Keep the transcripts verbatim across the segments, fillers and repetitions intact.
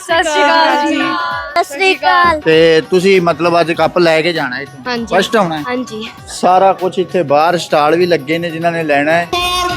ਸਤਿ ਸ਼੍ਰੀ ਅਕਾਲ ਜੀ। ਸਤਿ ਸ਼੍ਰੀ ਅਕਾਲ। ਤੇ ਤੁਸੀਂ ਮਤਲਬ ਅੱਜ ਕੱਪ ਲੈ ਕੇ ਜਾਣਾ ਇੱਥੋਂ? ਹਾਂਜੀ। ਫਸਟ ਆਉਣਾ ਹੈ? ਹਾਂਜੀ। ਸਾਰਾ ਕੁਝ ਇੱਥੇ ਬਾਹਰ ਸਟਾਲ ਵੀ ਲੱਗੇ ਨੇ ਜਿਨ੍ਹਾਂ ਨੇ ਲੈਣਾ ਹੈ।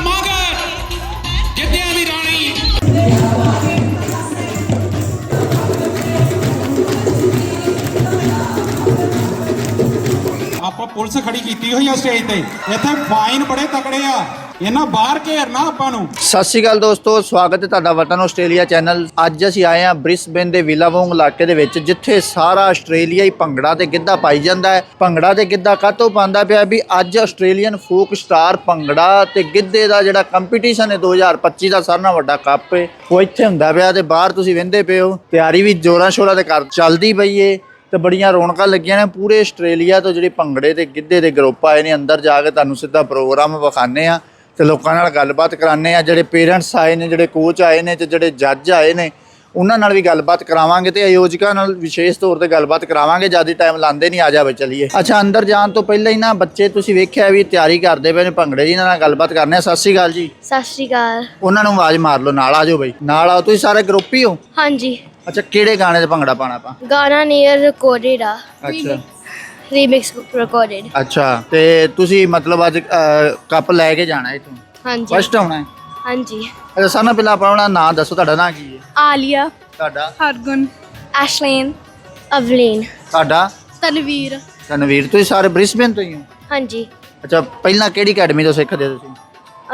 ਆਪਾਂ ਪੁਲਿਸ ਖੜੀ ਕੀਤੀ ਹੋਈ ਆ ਸਟੇਜ ਤੇ, ਇੱਥੇ ਫਾਈਨ ਬੜੇ ਤਕੜੇ ਆ, ਇਹਨਾਂ ਬਾਹਰ ਘੇਰਨਾ ਆਪਾਂ ਨੂੰ। ਸਤਿ ਸ਼੍ਰੀ ਅਕਾਲ ਦੋਸਤੋ, ਸਵਾਗਤ ਹੈ ਤੁਹਾਡਾ ਵਤਨ ਆਸਟ੍ਰੇਲੀਆ ਚੈਨਲ। ਅੱਜ ਅਸੀਂ ਆਏ ਹਾਂ ਬ੍ਰਿਸਬੇਨ ਦੇ ਵਿਲਾਵੋਂਗ ਇਲਾਕੇ ਦੇ ਵਿੱਚ, ਜਿੱਥੇ ਸਾਰਾ ਆਸਟ੍ਰੇਲੀਆ ਹੀ ਭੰਗੜਾ ਤੇ ਗਿੱਧਾ ਪਾਈ ਜਾਂਦਾ ਹੈ। ਭੰਗੜਾ ਤੇ ਗਿੱਧਾ ਕਾਹਤੋਂ ਪਾਉਂਦਾ ਪਿਆ ਵੀ ਅੱਜ ਆਸਟ੍ਰੇਲੀਅਨ ਫੋਕ ਸਟਾਰ ਭੰਗੜਾ ਤੇ ਗਿੱਧੇ ਦਾ ਜਿਹੜਾ ਕੰਪੀਟੀਸ਼ਨ ਹੈ ਦੋ ਹਜ਼ਾਰ ਪੱਚੀ ਦਾ ਸਾਰਿਆਂ ਨਾਲੋਂ ਵੱਡਾ ਕੱਪ ਹੈ, ਉਹ ਇੱਥੇ ਹੁੰਦਾ ਪਿਆ। ਤੇ ਬਾਹਰ ਤੁਸੀਂ ਵਹਿੰਦੇ ਪਏ ਹੋ, ਤਿਆਰੀ ਵੀ ਜ਼ੋਰਾਂ ਸ਼ੋਰਾਂ ਤੇ ਕਰ ਚੱਲਦੀ ਪਈ ਏ ਤੇ ਬੜੀਆਂ ਰੌਣਕਾਂ ਲੱਗੀਆਂ ਨੇ। ਪੂਰੇ ਆਸਟ੍ਰੇਲੀਆ ਤੋਂ ਜਿਹੜੇ ਭੰਗੜੇ ਤੇ ਗਿੱਧੇ ਦੇ ਗਰੁੱਪ ਆਏ ਨੇ, ਅੰਦਰ ਜਾ ਕੇ ਤੁਹਾਨੂੰ ਸਿੱਧਾ ਪ੍ਰੋਗਰਾਮ ਵਿਖਾਉਂਦੇ ਆ ਤੇ ਲੋਕਾਂ ਨਾਲ ਗੱਲਬਾਤ ਕਰਾਉਂਦੇ ਆ। ਜਿਹੜੇ ਪੇਰੈਂਟਸ ਆਏ ਨੇ, ਜਿਹੜੇ ਕੋਚ ਆਏ ਨੇ ਤੇ ਜਿਹੜੇ ਜੱਜ ਆਏ ਨੇ, ਉਹਨਾਂ ਨਾਲ ਵੀ ਗੱਲਬਾਤ ਕਰਾਵਾਂਗੇ ਤੇ ਆਯੋਜਕਾਂ ਨਾਲ ਵਿਸ਼ੇਸ਼ ਤੌਰ ਤੇ ਗੱਲਬਾਤ ਕਰਾਵਾਂਗੇ। ਜਿਆਦਾ ਟਾਈਮ ਲਾਉਂਦੇ ਨਹੀਂ, ਆ ਜਾ ਬਈ ਚਲੀਏ। ਅੱਛਾ, ਅੰਦਰ ਜਾਣ ਤੋਂ ਪਹਿਲਾਂ ਹੀ ਨਾ ਬੱਚੇ ਤੁਸੀਂ ਵੇਖਿਆ ਵੀ ਤਿਆਰੀ ਕਰਦੇ ਪਏ ਨੇ ਭੰਗੜੇ ਦੀ, ਇਹਨਾਂ ਨਾਲ ਗੱਲਬਾਤ ਕਰਨੇ ਆ। ਸਤਿ ਸ਼੍ਰੀ ਅਕਾਲ ਜੀ। ਸਤਿ ਸ਼੍ਰੀ ਅਕਾਲ। ਉਹਨਾਂ ਨੂੰ ਆਵਾਜ਼ ਮਾਰ ਲਓ, ਨਾਲ ਆ ਜਾਓ ਬਈ, ਨਾਲ ਆਓ। ਤੁਸੀਂ ਸਾਰੇ ਗਰੁੱਪ ਹੀ ਹੋ? ਹਾਂਜੀ। ਅੱਛਾ, ਕਿਹੜੇ ਗਾਣੇ ਤੇ ਭੰਗੜਾ ਪਾਣਾ ਆਪਾਂ? ਗਾਣਾ ਨੀਅਰ ਰਿਕਾਰਡਡ ਆ, ਅੱਛਾ ਰੀਮਿਕਸ ਰਿਕਾਰਡਡ। ਅੱਛਾ, ਤੇ ਤੁਸੀਂ ਮਤਲਬ ਅੱਜ ਕੱਪ ਲੈ ਕੇ ਜਾਣਾ ਇੱਥੋਂ? ਹਾਂਜੀ। ਫਸਟ ਆਉਣਾ ਹੈ? ਹਾਂਜੀ। ਅੱਛਾ, ਸਾਰਿਆਂ ਨਾਲੋਂ ਪਹਿਲਾਂ ਆਪਣਾ ਨਾਂ ਦੱਸੋ। ਤੁਹਾਡਾ ਨਾਂ ਕੀ ਹੈ? ਆਲੀਆ, ਤੁਹਾਡਾ? ਹਰਗੁਣ, ਐਸ਼ਲੇਨ, ਅਵਲੀਨ, ਤੁਹਾਡਾ? ਤਨਵੀਰ। ਤਨਵੀਰ। ਤੁਸੀਂ ਸਾਰੇ ਬ੍ਰਿਸਬੇਨ ਤੋਂ ਹੀ ਹੋ? ਹਾਂਜੀ। ਅੱਛਾ, ਪਹਿਲਾਂ ਕਿਹੜੀ ਅਕੈਡਮੀ ਤੋਂ ਸਿੱਖਦੇ ਹੋ ਤੁਸੀਂ?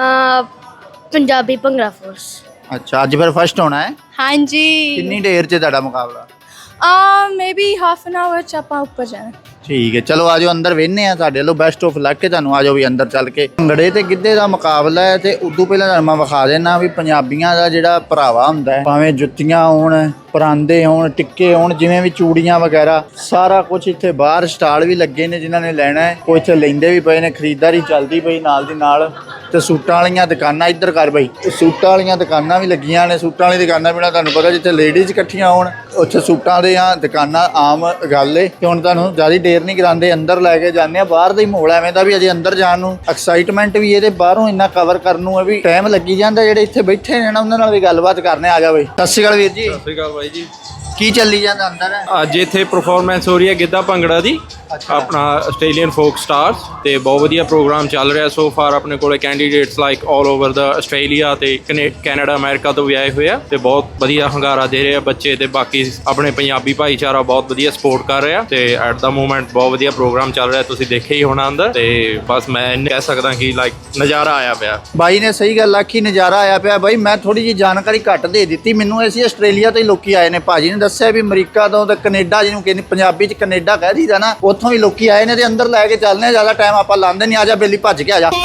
ਅ ਪੰਜਾਬੀ ਭੰਗੜਾ ਫੋਰਸ। ਅੱਛਾ, ਅੱਜ ਫਿਰ ਫਸਟ ਹੋਣਾ ਹੈ? ਹਾਂਜੀ। ਕਿੰਨੀ ਦੇਰ 'ਚ ਤੁਹਾਡਾ ਮੁਕਾਬਲਾ? ਆ ਮੇਬੀ ਹਾਫ ਐਨ ਆਵਰ ਚ ਆਪਾਂ ਉੱਪਰ ਜਾਣਾ। ਠੀਕ ਹੈ, ਚਲੋ ਆਜੋ ਅੰਦਰ ਵੇਖਨੇ ਆ। ਸਾਡੇ ਵੱਲੋਂ ਬੈਸਟ ਆਫ ਲੱਕ ਹੈ ਤੁਹਾਨੂੰ। ਆਜੋ ਵੀ ਅੰਦਰ ਚੱਲ ਕੇ। ਭੰਗੜੇ ਤੇ ਗਿੱਧੇ ਦਾ ਮੁਕਾਬਲਾ ਹੈ ਤੇ ਉਦੋਂ ਪਹਿਲਾਂ ਤੁਹਾਨੂੰ ਮੈਂ ਵਿਖਾ ਦੇਣਾ ਵੀ ਪੰਜਾਬੀਆਂ ਦਾ ਜਿਹੜਾ ਪਹਿਰਾਵਾ ਹੁੰਦਾ ਹੈ, ਭਾਵੇਂ ਜੁੱਤੀਆਂ ਹੋਣ, ਪਰਾਂਦੇ ਹੋਣ, ਟਿੱਕੇ ਹੋਣ, ਜਿਵੇਂ ਵੀ ਚੂੜੀਆਂ ਵਗੈਰਾ, ਸਾਰਾ ਕੁਝ ਇੱਥੇ ਬਾਹਰ ਸਟਾਲ ਵੀ ਲੱਗੇ ਨੇ ਜਿਨ੍ਹਾਂ ਨੇ ਲੈਣਾ ਹੈ। ਕੋਈ ਇੱਥੇ ਲੈਂਦੇ ਵੀ ਪਏ ਨੇ, ਖਰੀਦਦਾਰੀ ਚੱਲਦੀ ਪਈ ਨਾਲ ਦੀ ਨਾਲ। ਤੇ ਸੂਟਾਂ ਵਾਲੀਆਂ ਦੁਕਾਨਾਂ ਇੱਧਰ ਕਰ ਬਈ, ਸੂਟਾਂ ਵਾਲੀਆਂ ਦੁਕਾਨਾਂ ਵੀ ਲੱਗੀਆਂ ਨੇ। ਸੂਟਾਂ ਵਾਲੀ ਦੁਕਾਨਾਂ ਬਿਨਾਂ ਤੁਹਾਨੂੰ ਪਤਾ ਜਿੱਥੇ ਲੇਡੀਜ਼ ਇਕੱਠੀਆਂ ਹੋਣ ਉੱਥੇ ਸੂਟਾਂ ਦੇ ਆ ਦੁਕਾਨਾਂ ਆਮ ਗੱਲ ਏ। ਤੇ ਹੁਣ ਤੁਹਾਨੂੰ ਜ਼ਿਆਦਾ ਦੇਰ ਨਹੀਂ ਕਰਾਉਂਦੇ, ਅੰਦਰ ਲੈ ਕੇ ਜਾਂਦੇ ਆ। ਬਾਹਰ ਦਾ ਹੀ ਮਾਹੌਲ ਐਵੇਂ ਦਾ ਵੀ ਅਜੇ ਅੰਦਰ ਜਾਣ ਨੂੰ ਐਕਸਾਈਟਮੈਂਟ ਵੀ ਇਹਦੇ ਬਾਹਰੋਂ ਇੰਨਾ ਕਵਰ ਕਰਨ ਨੂੰ ਹੈ ਵੀ ਟਾਈਮ ਲੱਗੀ ਜਾਂਦਾ। ਜਿਹੜੇ ਇੱਥੇ ਬੈਠੇ ਨੇ ਨਾ ਉਹਨਾਂ ਨਾਲ ਵੀ ਗੱਲਬਾਤ ਕਰਨੇ। ਆ ਜਾ ਬਈ। ਸਤਿ ਸ਼੍ਰੀ ਅਕਾਲ ਵੀਰ ਜੀ। ਸਤਿ ਸ਼੍ਰੀ ਅਕਾਲ ਬਾਈ ਜੀ। ਕੀ ਚੱਲੀ ਜਾਂਦਾ ਅੰਦਰ? ਅੱਜ ਇੱਥੇ ਪਰਫਾਰਮੈਂਸ ਹੋ ਰਹੀ ਹੈ ਗਿੱਧਾ ਭੰਗੜਾ ਦੀ, ਆਪਣਾ ਆਸਟ੍ਰੇਲੀਅਨ ਫੋਕ ਸਟਾਰਸ, ਤੇ ਬਹੁਤ ਵਧੀਆ ਪ੍ਰੋਗਰਾਮ ਚੱਲ ਰਿਹਾ ਸੋ ਫਾਰ। ਆਪਣੇ ਕੋਲੇ ਕੈਂਡੀਡੇਟਸ ਲਾਈਕ ਆਲ ਓਵਰ ਦਾ ਆਸਟ੍ਰੇਲੀਆ ਤੇ ਕੈਨੇਡਾ, ਅਮਰੀਕਾ ਤੋਂ ਵੀ ਆਏ ਹੋਏ ਆ ਤੇ ਬਹੁਤ ਵਧੀਆ ਹੰਗਾਰਾ ਦੇ ਰਹੇ ਆ ਬੱਚੇ। ਤੇ ਬਾਕੀ ਆਪਣੇ ਪੰਜਾਬੀ ਭਾਈਚਾਰਾ ਬਹੁਤ ਵਧੀਆ ਸਪੋਰਟ ਕਰ ਰਿਹਾ ਤੇ ਐਟ ਦਾ ਮੂਮੈਂਟ ਬਹੁਤ ਵਧੀਆ ਪ੍ਰੋਗਰਾਮ ਚੱਲ ਰਿਹਾ। ਤੁਸੀਂ ਦੇਖਿਆ ਹੀ ਹੋਣਾ ਅੰਦਰ। ਤੇ ਬਸ ਮੈਂ ਇੰਨੇ ਕਹਿ ਸਕਦਾ ਕਿ ਲਾਈਕ ਨਜ਼ਾਰਾ ਆਇਆ ਪਿਆ। ਬਾਈ ਨੇ ਸਹੀ ਗੱਲ ਆਖੀ, ਨਜ਼ਾਰਾ ਆਇਆ ਪਿਆ। ਬਾਈ ਮੈਂ ਥੋੜੀ ਜਿਹੀ ਜਾਣਕਾਰੀ ਘੱਟ ਦੇ ਦਿੱਤੀ ਮੈਨੂੰ। ਅਸੀਂ ਆਸਟ੍ਰੇਲੀਆ ਤੋਂ ਹੀ ਲੋਕੀ ਆਏ ਨੇ। ਭਾਜੀ ਨੇ ਦੱਸਿਆ ਵੀ ਅਮਰੀਕਾ ਤੋਂ ਤੇ ਕੈਨੇਡਾ, ਜਿਹਨੂੰ ਕਹਿੰਦੇ ਪੰਜਾਬੀ 'ਚ ਕੈਨੇਡਾ ਕਹਿ ਦਈਦਾ ਨਾ, ਉੱਥੋਂ ਵੀ ਲੋਕੀ ਆਏ ਨੇ। ਤੇ ਅੰਦਰ ਲੈ ਕੇ ਚੱਲਦੇ ਆ, ਜ਼ਿਆਦਾ ਟਾਈਮ ਆਪਾਂ ਲਾਉਂਦੇ ਨਹੀਂ। ਆ ਜਾ ਬੇਲੀ, ਭੱਜ ਕੇ ਆ ਜਾ।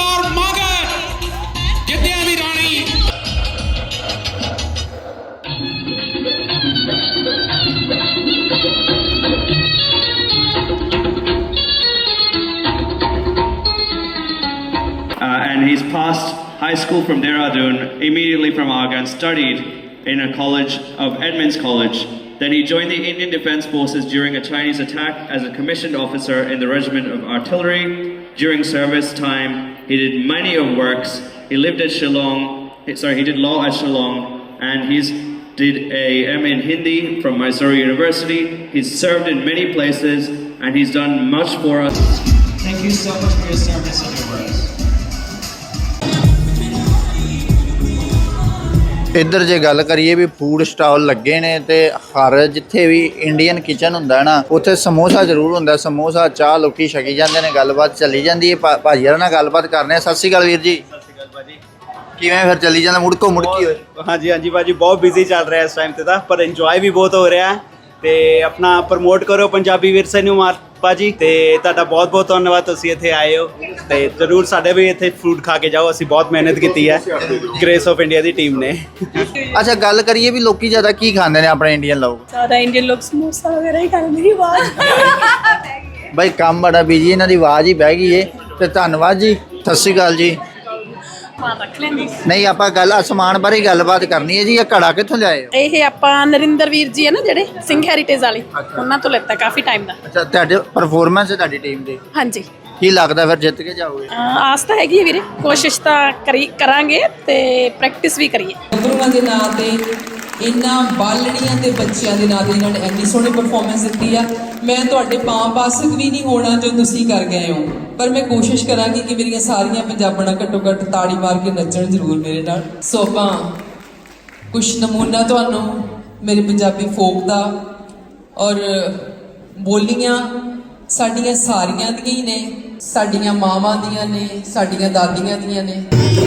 Uh, and he's passed high school from Dehradun, immediately from Agra, and studied in a college of Edmonds College. Then he joined the Indian Defence Forces during a Chinese attack as a commissioned officer in the Regiment of Artillery. During service time, he did many of works. He lived at Shillong, sorry, he did law at Shillong, and he's did a M A in Hindi from Mysore University. He's served in many places, and he's done much for us. Thank you so much for your service and your works. ਇੱਧਰ ਜੇ ਗੱਲ ਕਰੀਏ ਵੀ food stall ਲੱਗੇ ਨੇ ਤੇ ਹਰ ਜਿੱਥੇ ਵੀ Indian kitchen ਹੁੰਦਾ ਨਾ, ਉੱਥੇ ਸਮੋਸਾ ਜ਼ਰੂਰ ਹੁੰਦਾ। ਸਮੋਸਾ, ਚਾਹ ਲੋਕੀ ਛਕੀ ਜਾਂਦੇ ਨੇ, ਗੱਲਬਾਤ ਚੱਲੀ ਜਾਂਦੀ ਹੈ। ਭਾਜੀ ਨਾਲ ਗੱਲਬਾਤ ਕਰਨੇ ਆ। ਸਤਿ ਸ਼੍ਰੀ ਅਕਾਲ ਵੀਰ ਜੀ। ਸਤਿ ਸ਼੍ਰੀ ਅਕਾਲ ਭਾਜੀ। ਕਿਵੇਂ ਫਿਰ ਚੱਲੀ ਜਾਂਦਾ? ਮੁੜਕੋ ਮੁੜਕੀ ਹੋਏ? ਹਾਂਜੀ ਹਾਂਜੀ ਭਾਜੀ, ਬਹੁਤ ਬਿਜ਼ੀ ਚੱਲ ਰਿਹਾ ਇਸ ਟਾਈਮ ਤੇ ਤਾਂ, ਪਰ ਇੰਜੋਏ ਵੀ ਬਹੁਤ ਹੋ ਰਿਹਾ ਤੇ ਆਪਣਾ ਪ੍ਰਮੋਟ ਕਰੋ ਪੰਜਾਬੀ ਵਿਰਸੇ ਨੂੰ ਮਾਰ ਭਾਜੀ। ਤੇ ਤੁਹਾਡਾ ਬਹੁਤ ਬਹੁਤ ਧੰਨਵਾਦ, ਤੁਸੀਂ ਇੱਥੇ ਆਏ ਹੋ ਤੇ ਜ਼ਰੂਰ ਸਾਡੇ ਵੀ ਇੱਥੇ ਫੂਡ ਖਾ ਕੇ ਜਾਓ। ਅਸੀਂ ਬਹੁਤ ਮਿਹਨਤ ਕੀਤੀ ਹੈ ਗ੍ਰੇਸ ਆਫ ਇੰਡੀਆ ਦੀ ਟੀਮ ਨੇ। ਅੱਛਾ, ਗੱਲ ਕਰੀਏ ਵੀ ਲੋਕੀ ਜ਼ਿਆਦਾ ਕੀ ਖਾਂਦੇ ਨੇ ਆਪਣੇ ਇੰਡੀਅਨ ਲੋਕ? ਜ਼ਿਆਦਾ ਇੰਡੀਅਨ ਲੋਕ ਸਮੋਸਾ ਵਗੈਰਾ ਹੀ ਖਾਂਦੇ ਨੇ। ਆਵਾਜ਼ ਬਾਈ ਕੰਮ ਬੜਾ ਬਿਜੀ, ਇਹਨਾਂ ਦੀ ਆਵਾਜ਼ ਹੀ ਬਹਿ ਗਈ ਏ। ਤੇ ਧੰਨਵਾਦ ਜੀ। ਸਤਿ ਸ਼੍ਰੀ ਅਕਾਲ ਜੀ। ਨਹੀਂ, ਆਪਾਂ ਗੱਲ ਸਮਾਨ ਬਾਰੇ ਗੱਲਬਾਤ ਕਰਨੀ ਹੈ ਜੀ। ਇਹ ਘੜਾ ਕਿੱਥੋਂ ਲਿਆਏ ਹੋ? ਇਹ ਆਪਾਂ ਨਰਿੰਦਰ ਵੀਰ ਜੀ ਹੈ ਨਾ, ਜਿਹੜੇ ਸਿੰਘ ਹੈਰੀਟੇਜ ਵਾਲੇ, ਉਹਨਾਂ ਤੋਂ ਲੈਤਾ ਕਾਫੀ ਟਾਈਮ ਦਾ। ਅੱਛਾ, ਤੁਹਾਡੇ ਪਰਫਾਰਮੈਂਸ ਹੈ ਤੁਹਾਡੀ ਟੀਮ ਦੀ? ਹਾਂਜੀ। ਕੀ ਲੱਗਦਾ ਫਿਰ ਜਿੱਤ ਕੇ ਜਾਓਗੇ? ਆਸ ਤਾਂ ਹੈਗੀ ਹੈ ਵੀਰੇ, ਕੋਸ਼ਿਸ਼ ਤਾਂ ਕਰੀ ਕਰਾਂਗੇ ਤੇ ਪ੍ਰੈਕਟਿਸ ਵੀ ਕਰੀਏ। ਗੁਰੂਆਂ ਦੇ ਨਾਂ ਤੇ ਇਹਨਾਂ ਬਾਲਣੀਆਂ ਦੇ ਬੱਚਿਆਂ ਦੇ ਨਾਂ ਤੇ ਇਹਨਾਂ ਨੇ ਇੰਨੀ ਸੋਹਣੀ ਪਰਫਾਰਮੈਂਸ ਦਿੱਤੀ ਆ। ਮੈਂ ਤੁਹਾਡੇ ਪਾਂ ਪਾਸਕ ਵੀ ਨਹੀਂ ਹੋਣਾ ਜੋ ਤੁਸੀਂ ਕਰ ਗਏ ਹੋ, ਪਰ ਮੈਂ ਕੋਸ਼ਿਸ਼ ਕਰਾਂਗੀ ਕਿ ਮੇਰੀਆਂ ਸਾਰੀਆਂ ਪੰਜਾਬਣਾਂ ਘੱਟੋ ਘੱਟ ਤਾੜੀ ਮਾਰ ਕੇ ਨੱਚਣ ਜ਼ਰੂਰ ਮੇਰੇ ਨਾਲ। ਸੋ ਆਪਾਂ ਕੁਛ ਨਮੂਨਾ ਤੁਹਾਨੂੰ ਮੇਰੇ ਪੰਜਾਬੀ ਫੋਕ ਦਾ, ਔਰ ਬੋਲੀਆਂ ਸਾਡੀਆਂ ਸਾਰੀਆਂ ਦੀਆਂ ਹੀ ਨੇ, ਸਾਡੀਆਂ ਮਾਵਾਂ ਦੀਆਂ ਨੇ, ਸਾਡੀਆਂ ਦਾਦੀਆਂ ਦੀਆਂ ਨੇ।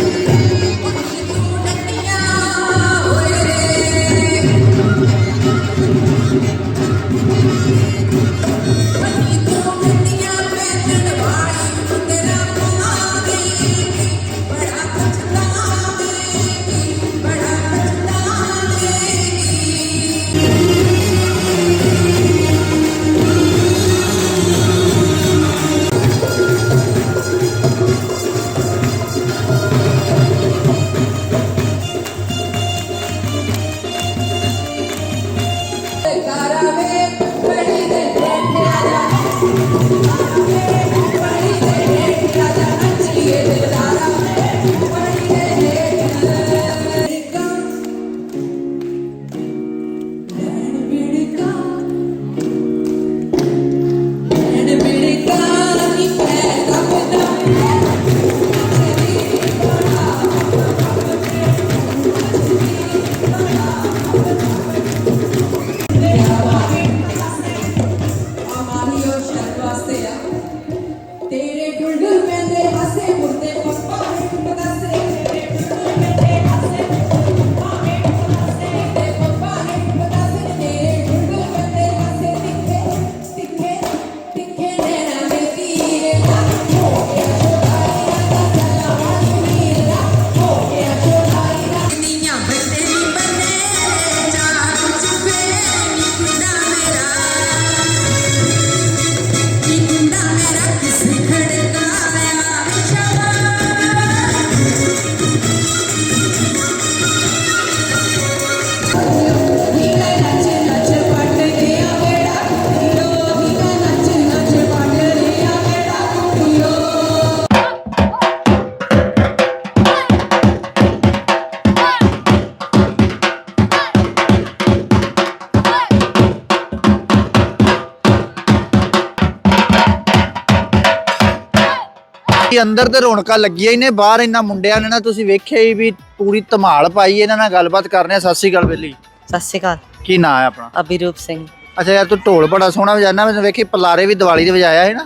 ਅੰਦਰ ਤੇ ਰੌਣਕਾਂ ਲੱਗੀਆਂ ਹੀ ਨੇ, ਬਾਹਰ ਇਹਨਾਂ ਮੁੰਡਿਆਂ ਨੇ ਨਾ ਤੁਸੀਂ ਵੇਖਿਆ ਹੀ ਵੀ ਪੂਰੀ ਧਮਾਲ ਪਾਈ। ਇਹਨਾਂ ਨਾਲ ਗੱਲਬਾਤ ਕਰਨੇ ਆ। ਸਤਿ ਸ਼੍ਰੀ ਅਕਾਲ ਬੇਲੀ। ਸਤਿ ਸ਼੍ਰੀ ਅਕਾਲ। ਕੀ ਨਾਂ ਹੈ ਆਪਣਾ? ਅਭਿਰੂਪ ਸਿੰਘ। ਅੱਛਾ ਯਾਰ, ਤੂੰ ਢੋਲ ਬੜਾ ਸੋਹਣਾ ਵਜਾਣਾ। ਮੈਂ ਵੇਖੀ ਪਲਾਰੇ ਵੀ ਦੀਵਾਲੀ ਦੇ ਵਜਾਇਆ ਹੈ ਨਾ,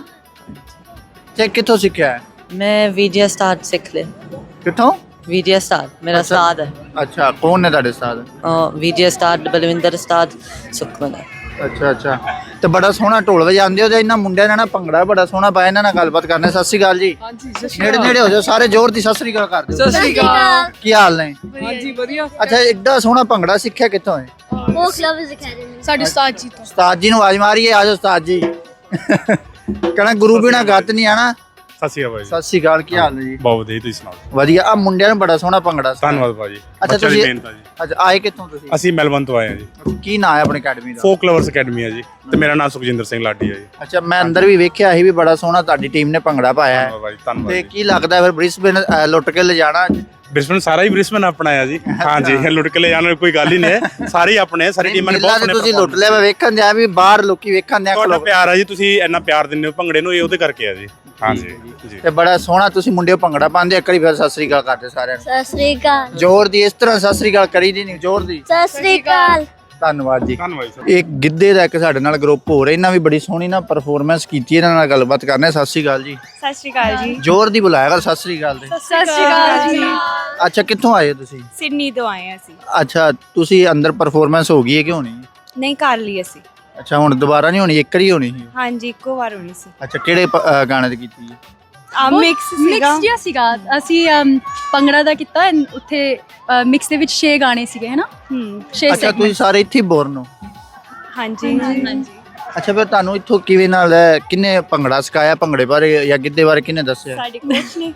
ਤੇ ਕਿੱਥੋਂ ਸਿੱਖਿਆ ਹੈ? ਮੈਂ ਵੀਡੀਓ ਸਟਾਰ ਸਿੱਖ ਲਿਆ। ਕਿੱਥੋਂ? ਵੀਡੀਓ ਸਟਾਰ ਮੇਰਾ ਅੱਛਾ। ਉਸਤਾਦ ਹੈ। ਅੱਛਾ, ਕੌਣ ਨੇ ਤੁਹਾਡੇ ਉਸਤਾਦ? ਵੀਡੀਓ ਸਟਾਰ ਬਲਵਿੰਦਰ ਉਸਤਾਦ ਸੁਖਮਨ ਹੈ। ਅੱਛਾ ਅੱਛਾ, ਤੇ ਬੜਾ ਸੋਹਣਾ ਢੋਲ ਵਜਾਉਂਦੇ ਹੋ। ਤੇ ਇਹਨਾਂ ਮੁੰਡਿਆਂ ਨੇ ਨਾ ਭੰਗੜਾ ਬੜਾ ਸੋਹਣਾ ਪਾਇਆ। ਇਹਨਾਂ ਨਾਲ ਗੱਲਬਾਤ ਕਰਨੇ। ਸਤਿ ਸ਼੍ਰੀ ਅਕਾਲ ਜੀ। ਨੇੜੇ ਨੇੜੇ ਹੋ ਜਾਓ ਸਾਰੇ, ਜ਼ੋਰ ਦੀ ਸਤਿ ਸ਼੍ਰੀ ਅਕਾਲ ਕਰ ਦਿਓ। ਸਤਿ ਸ਼੍ਰੀ ਅਕਾਲ। ਕੀ ਹਾਲ ਨੇ? ਹਾਂਜੀ ਵਧੀਆ। ਅੱਛਾ, ਐਡਾ ਸੋਹਣਾ ਭੰਗੜਾ ਸਿੱਖਿਆ ਕਿੱਥੋਂ ਹੈ? Folk Lovers Academy. ਸਾਡੇ ਉਸਤਾਦ ਜੀ ਤੋਂ। ਉਸਤਾਦ ਜੀ ਨੂੰ ਆਵਾਜ਼ ਮਾਰੀਏ, ਆ ਜਾਓ ਉਸਤਾਦ ਜੀ। ਕਹਿੰਦਾ ਗੁਰੂ ਬਿਨਾ ਗੱਤ ਨਹੀਂ ਆਣਾ। ਸਤਿ ਸ਼੍ਰੀ ਅਕਾਲ ਜੀ। ਸਤਿ ਸ਼੍ਰੀ ਅਕਾਲ, ਕੀ ਹਾਲ ਨੇ ਜੀ? ਬਹੁਤ ਵਧੀਆ, ਤੁਸੀਂ ਸੁਣਾਓ? ਵਧੀਆ। ਆ ਮੁੰਡਿਆਂ ਨੂੰ ਬੜਾ ਸੋਹਣਾ ਭੰਗੜਾ ਸਿਖਾਇਆ। ਧੰਨਵਾਦ ਭਾਜੀ। ਅੱਛਾ ਬੱਚਿਆਂ ਦੀ ਤੁਸੀਂ ਮਿਹਨਤ ਆ ਜੀ। ਅੱਛਾ, ਆਏ ਕਿੱਥੋਂ ਤੁਸੀਂ? ਅਸੀਂ ਮੈਲਬਨ ਤੋਂ ਆਏ ਹਾਂ ਜੀ। ਕੀ ਨਾਂ ਹੈ ਆਪਣੀ ਅਕੈਡਮੀ ਦਾ? ਫੋਕ ਲਵਰਸ ਅਕੈਡਮੀ ਹੈ ਜੀ, ਤੇ ਮੇਰਾ ਨਾਮ ਸੁਖਜਿੰਦਰ ਸਿੰਘ ਲਾਡੀ ਹੈ ਜੀ। ਅੱਛਾ, ਮੈਂ ਅੰਦਰ ਵੀ ਵੇਖਿਆ ਸੀ ਵੀ ਬੜਾ ਸੋਹਣਾ ਤੁਹਾਡੀ ਟੀਮ ਨੇ ਭੰਗੜਾ ਪਾਇਆ ਹੈ। ਧੰਨਵਾਦ ਭਾਜੀ, ਧੰਨਵਾਦ ਤੇ ਜੀ। ਕੀ ਲੱਗਦਾ ਫਿਰ ਬ੍ਰਿਸਬੇਨ ਅ, ਲੁੱਟ ਕੇ ਲਿਜਾਣਾ? ਬ੍ਰਿਸਬਨ ਸਾਰਾ ਹੀ ਬ੍ਰਿਸਬਨ ਆਪਣਾ ਹੈ ਜੀ। ਹਾਂਜੀ, ਲੁੱਟ ਕੇ ਲੈ ਜਾਣ ਵਾਲੀ ਕੋਈ ਗੱਲ ਹੀ ਨਹੀਂ ਹੈ। ਸਾਰੇ ਹੀ ਆਪਣੇ, ਸਾਰੀ ਟੀਮਾਂ ਨੇ ਬਹੁਤ ਸੋਹਣੇ ਤੁਸੀਂ ਲੁੱਟ ਲਿਆ। ਮੈਂ ਵੇਖਣ ਦਿਆ ਵੀ ਬਾਹਰ ਲੋਕੀ ਵੇਖਣ ਦਿਆ। ਤੁਹਾਡਾ ਪਿਆਰ ਹੈ ਜੀ, ਤੁਸੀਂ ਇੰਨਾ ਪਿਆਰ ਦਿੰਦੇ ਹੋ ਭੰਗੜੇ ਨੂੰ, ਇਹ ਉਹਦੇ ਕਰਕੇ ਆ ਜੀ। ਹਾਂਜੀ ਜੀ। ਤੇ ਬੜਾ ਸੋਹਣਾ ਤੁਸੀਂ ਮੁੰਡੇ ਭੰਗੜਾ ਪਾਉਂਦੇ। ਇੱਕ ਵਾਰੀ ਫਿਰ ਸਤਿ ਸ੍ਰੀ ਅਕਾਲ ਕਰਦੇ ਸਾਰਿਆਂ ਨੂੰ। ਸਤਿ ਸ਼੍ਰੀ ਅਕਾਲ। ਜ਼ੋਰ ਦੀ ਇਸ ਤਰ੍ਹਾਂ ਸਤਿ ਸ੍ਰੀ ਅਕਾਲ ਕਰੀ ਦੀ ਨਹੀਂ, ਜ਼ੋਰ ਦੀ। ਸਤਿ ਸ਼੍ਰੀ ਅਕਾਲ। ਧੰਨਵਾਦ ਜੀ। ਧੰਨਵਾਦ ਸਰ। ਇੱਕ ਗਿੱਧੇ ਦਾ ਇੱਕ ਸਾਡੇ ਨਾਲ ਗਰੁੱਪ ਹੋ ਰਿਹਾ। ਇਹਨਾਂ ਵੀ ਬੜੀ ਸੋਹਣੀ ਨਾ ਪਰਫਾਰਮੈਂਸ ਕੀਤੀ। ਇਹਨਾਂ ਨਾਲ ਗੱਲਬਾਤ ਕਰਨੇ। ਸਤਿ ਸ੍ਰੀ ਅਕਾਲ ਜੀ। ਸਤਿ ਸ਼੍ਰੀ ਅਕਾਲ ਜੀ। ਜ਼ੋਰ ਦੀ ਬੁਲਾਇਆ ਕਰ ਸਤਿ ਸ੍ਰੀ ਅਕਾਲ ਦੇ। ਸਤਿ ਸ਼੍ਰੀ ਅਕਾਲ ਜੀ। ਅੱਛਾ, ਕਿੱਥੋਂ ਆਏ ਹੋ ਤੁਸੀਂ? ਸਿਡਨੀ ਤੋਂ ਆਏ ਹਾਂ ਅਸੀਂ। ਅੱਛਾ, ਤੁਸੀਂ ਅੰਦਰ ਪਰਫਾਰਮੈਂਸ ਹੋ ਗਈ ਹੈ ਕਿ ਹੋਣੀ? ਨਹੀਂ ਕਰ ਲਈ ਅਸੀਂ। ਅੱਛਾ, ਹੁਣ ਦੁਬਾਰਾ ਨਹੀਂ ਹੋਣੀ, ਇੱਕ ਹੀ ਹੋਣੀ ਸੀ? ਹਾਂਜੀ, ਇੱਕੋ ਵਾਰ ਹੋਣੀ ਸੀ। ਅੱਛਾ, ਕਿਹੜੇ ਪ- ਅ, ਗਾਣੇ ਤੇ ਕੀਤੀ ਹੈ? ਮਿਕਸ ਸੀਗਾ। ਮਿਕਸ ਜਿਹਾ ਸੀਗਾ। ਅਸੀਂ ਅਮ, ਭੰਗੜਾ ਦਾ ਕੀਤਾ and ਉੱਥੇ ਮਿਕਸ ਦੇ ਵਿੱਚ ਛੇ ਗਾਣੇ ਸੀਗੇ ਹੈ ਨਾ। ਹੂੰ। ਛੇ ਅੱਛਾ, ਤੁਸੀਂ ਸਾਰੇ ਇੱਥੇ ਬੋਰਨ ਹੋ? ਹਾਂਜੀ ਹਾਂਜੀ। ਅੱਛਾ, ਫਿਰ ਤੁਹਾਨੂੰ ਇੱਥੋਂ ਕਿਵੇਂ ਨਾਲ ਹੈ? ਕਿੰਨੇ ਭੰਗੜਾ ਸਿਖਾਇਆ? ਭੰਗੜੇ ਬਾਰੇ ਜਾਂ ਗਿੱਧੇ ਬਾਰੇ ਕਿੰਨੇ ਦੱਸਿਆ? ਸਾਡੇ ਕੋਚ ਨੇ।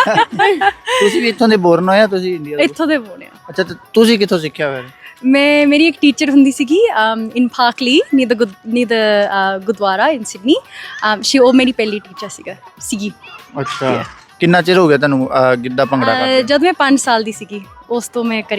ਤੁਸੀਂ ਵੀ ਇੱਥੋਂ ਦੇ ਬੋਰਨ ਹੋ ਜਾਂ ਤੁਸੀਂ ਇੰਡੀਆ ਦੇ? ਇੱਥੋਂ ਦੇ ਬੋਲੇ ਆ। ਅੱਛਾ, ਤੇ ਤੁਸੀਂ ਕਿੱਥੋਂ ਸਿੱਖਿਆ ਫਿਰ? ਮੈਂ ਮੇਰੀ ਇੱਕ ਟੀਚਰ ਹੁੰਦੀ ਸੀਗੀ ਇਨ ਪਾਕਲੀ near the near the gurdwara in Sydney. She ਉਹ ਮੇਰੀ ਪਹਿਲੀ ਟੀਚਰ ਸੀਗਾ ਸੀਗੀ। ਅੱਛਾ, ਕਿੰਨਾ ਚਿਰ ਹੋ ਗਿਆ ਤੁਹਾਨੂੰ ਅ, ਗਿੱਧਾ ਭੰਗੜਾ ਅਹ, ਕਰਦੇ? ਜਦ ਮੈਂ ਪੰਜ ਸਾਲ ਦੀ ਸੀਗੀ ਉਸ ਤੋਂ ਮੈਂ ਕਰੀ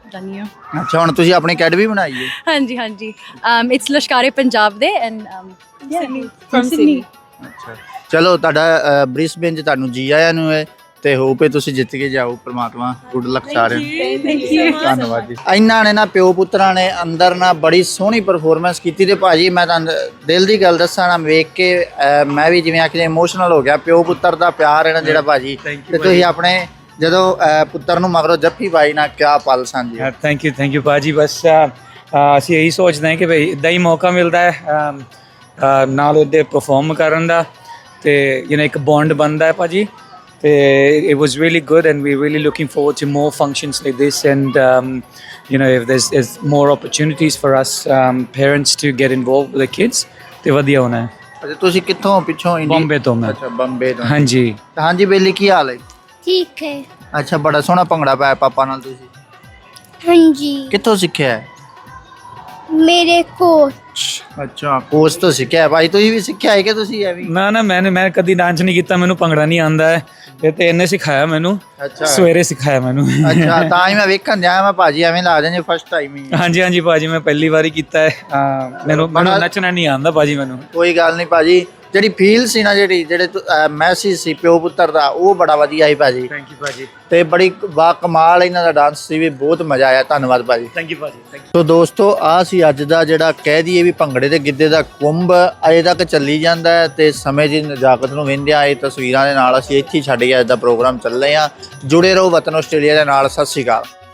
ਜਾਨੀ ਹਾਂ। ਅੱਛਾ ਹੁਣ ਤੁਸੀਂ ਆਪਣੀ ਅਕੈਡਮੀ ਬਣਾਈ ਹੈ? ਹਾਂਜੀ ਹਾਂਜੀ ਇਟਸ ਲਸ਼ਕਾਰੇ ਪੰਜਾਬ ਦੇ ਐਂਡ ਫਰਮ ਸਿਡਨੀ। ਅੱਛਾ ਚਲੋ ਤੁਹਾਡਾ ਬ੍ਰਿਸਬੇਨ 'ਚ ਤੁਹਾਨੂੰ ਜੀ ਆਇਆਂ ਨੂੰ ਹੈ ਤੇ ਹੋਪ ਹੈ ਤੁਸੀਂ ਜਿੱਤ ਕੇ ਜਾਓ। ਪ੍ਰਮਾਤਮਾ ਗੁੱਡ ਲੱਕ ਸਾਰਿਆਂ ਨੂੰ। Thank you. ਧੰਨਵਾਦ ਜੀ। ਇਹਨਾਂ ਨੇ ਨਾ ਪਿਓ ਪੁੱਤਰਾਂ ਨੇ ਅੰਦਰ ਨਾ ਬੜੀ ਸੋਹਣੀ ਪਰਫਾਰਮੈਂਸ ਕੀਤੀ ਤੇ ਭਾਜੀ ਮੈਂ ਤੁਹਾਨੂੰ ਦਿਲ ਦੀ ਗੱਲ ਦੱਸਾਂ ਨਾ ਵੇਖ ਕੇ ਅਹ, ਮੈਂ ਵੀ ਜਿਵੇਂ ਆਖਦੇ ਇਮੋਸ਼ਨਲ ਹੋ ਗਿਆ। ਪਿਓ ਪੁੱਤਰ ਦਾ ਪਿਆਰ ਹੈ ਨਾ ਜਿਹੜਾ ਭਾਜੀ, ਤੇ ਤੁਸੀਂ ਆਪਣੇ ਜਦੋਂ ਅਹ, ਪੁੱਤਰ ਨੂੰ ਮਗਰੋਂ ਜੱਫੀ ਪਾਈ ਨਾ ਕਿਆ ਪਲ ਸਨ ਜੀ। ਥੈਂਕ ਯੂ ਥੈਂਕ ਯੂ ਭਾਜੀ। ਬਸ ਅ, ਅ, ਅਸੀਂ ਇਹੀ ਸੋਚਦੇ ਹਾਂ ਕਿ ਭਈ ਇੱਦਾਂ ਹੀ ਮੌਕਾ ਮਿਲਦਾ ਹੈ ਅਮ, ਅ, ਨਾਲ ਉਹਦੇ ਪਰਫਾਰਮ ਕਰਨ ਦਾ ਤੇ ਯੂ نو ਇੱਕ ਬੌਂਡ ਬਣਦਾ ਹੈ ਭਾਜੀ। ਤੇ it was really good and we're really looking forward to more functions like this and um, you know if there's, there's more opportunities for us um, parents to get involved with the kids ਤੇ ਵਧੀਆ ਹੋਣਾ ਹੈ। ਅੱਛਾ ਤੁਸੀਂ ਕਿੱਥੋਂ ਪਿੱਛੋਂ indie- Bombay ਤੋਂ ਮੈਂ। ਅੱਛਾ ਬੰਬੇ ਤੋਂ। ਹਾਂਜੀ ਹਾਂਜੀ ਬੇਲੀ ਕੀ ਹਾਲ ਹੈ? ਠੀਕ ਹੈ। ਅੱਛਾ ਬੜਾ ਸੋਹਣਾ ਭੰਗੜਾ ਪਾਇਆ ਪਾਪਾ ਨਾਲ ਤੁਸੀਂ, ਹਾਂਜੀ ਕਿੱਥੋਂ ਸਿੱਖਿਆ ਹੈ? ਮੇਰੇ ਕੋਚ। ਅੱਛਾ ਕੋਚ ਤੋਂ ਸਿੱਖਿਆ ਹੈ। ਭਾਈ ਤੁਸੀਂ ਵੀ ਸਿੱਖਿਆ ਹੈ ਕਿ ਤੁਸੀਂ ਐਵੇਂ? ਨਾ ਨਾ ਮੈंने ਮੈਂ ਕਦੀ ਡਾਂਸ ਨਹੀਂ ਕੀਤਾ, ਮੈਨੂੰ ਭੰਗੜਾ ਨਹੀਂ ਆਉਂਦਾ ਹੈ। ਇਹ ਤੇ ਇਹਨੇ ਸਿਖਾਇਆ ਮੈਨੂੰ, ਅੱਛਾ ਸਵੇਰੇ ਸਿਖਾਇਆ ਮੈਨੂੰ। ਅੱਛਾ ਤਾਂ ਹੀ ਮੈਂ ਵੇਖਣ ਜਾਇਆ ਮੈਂ ਭਾਜੀ ਐਵੇਂ ਲਾ ਜਾਂਦੇ ਫਸਟ ਟਾਈਮ ਹੀ। ਹਾਂਜੀ ਹਾਂਜੀ ਭਾਜੀ ਮੈਂ ਪਹਿਲੀ ਵਾਰੀ ਕੀਤਾ ਹੈ। ਅਹ, ਮੈਨੂੰ ਮੈਨੂੰ ਨੱਚਣਾ ਨਹੀਂ ਆਉਂਦਾ ਭਾਜੀ ਮੈਨੂੰ। ਕੋਈ ਗੱਲ ਨਹੀਂ ਭਾਜੀ, ਜਿਹੜੀ ਫੀਲ ਸੀ ਨਾ ਜਿਹੜੀ ਜਿਹੜੇ ਮੈਸੇਜ ਸੀ ਪਿਓ ਪੁੱਤਰ ਦਾ ਉਹ ਬੜਾ ਵਧੀਆ ਸੀ ਭਾਜੀ। ਥੈਂਕ ਯੂ ਭਾਜੀ। ਤੇ ਬੜੀ ਬਾ ਕਮਾਲ ਇਹਨਾਂ ਦਾ ਡਾਂਸ ਸੀ ਵੀ ਬਹੁਤ ਮਜ਼ਾ ਆਇਆ। ਧੰਨਵਾਦ ਭਾਜੀ। ਥੈਂਕ ਯੂ ਭਾਜੀ। ਥੈਂਕ ਸੋ ਦੋਸਤੋ ਆ ਸੀ ਅੱਜ ਦਾ ਜਿਹੜਾ ਕਹਿ ਦਈਏ ਵੀ ਭੰਗੜੇ ਤੇ ਗਿੱਧੇ ਦਾ ਕੁੰਭ ਅਜੇ ਤੱਕ ਚੱਲੀ ਜਾਂਦਾ ਹੈ ਤੇ ਸਮੇਂ ਦੀ ਨਜ਼ਾਕਤ ਨੂੰ ਵਹਿੰਦਿਆਂ ਇਹ ਤਸਵੀਰਾਂ ਦੇ ਨਾਲ ਅਸੀਂ ਇੱਥੇ ਹੀ ਛੱਡ ਕੇ ਅੱਜ ਦਾ ਪ੍ਰੋਗਰਾਮ ਚੱਲ ਰਹੇ ਹਾਂ। ਜੁੜੇ ਰਹੋ ਵਤਨ ਆਸਟ੍ਰੇਲੀਆ ਦੇ ਨਾਲ। ਸਤਿ ਸ਼੍ਰੀ ਅਕਾਲ।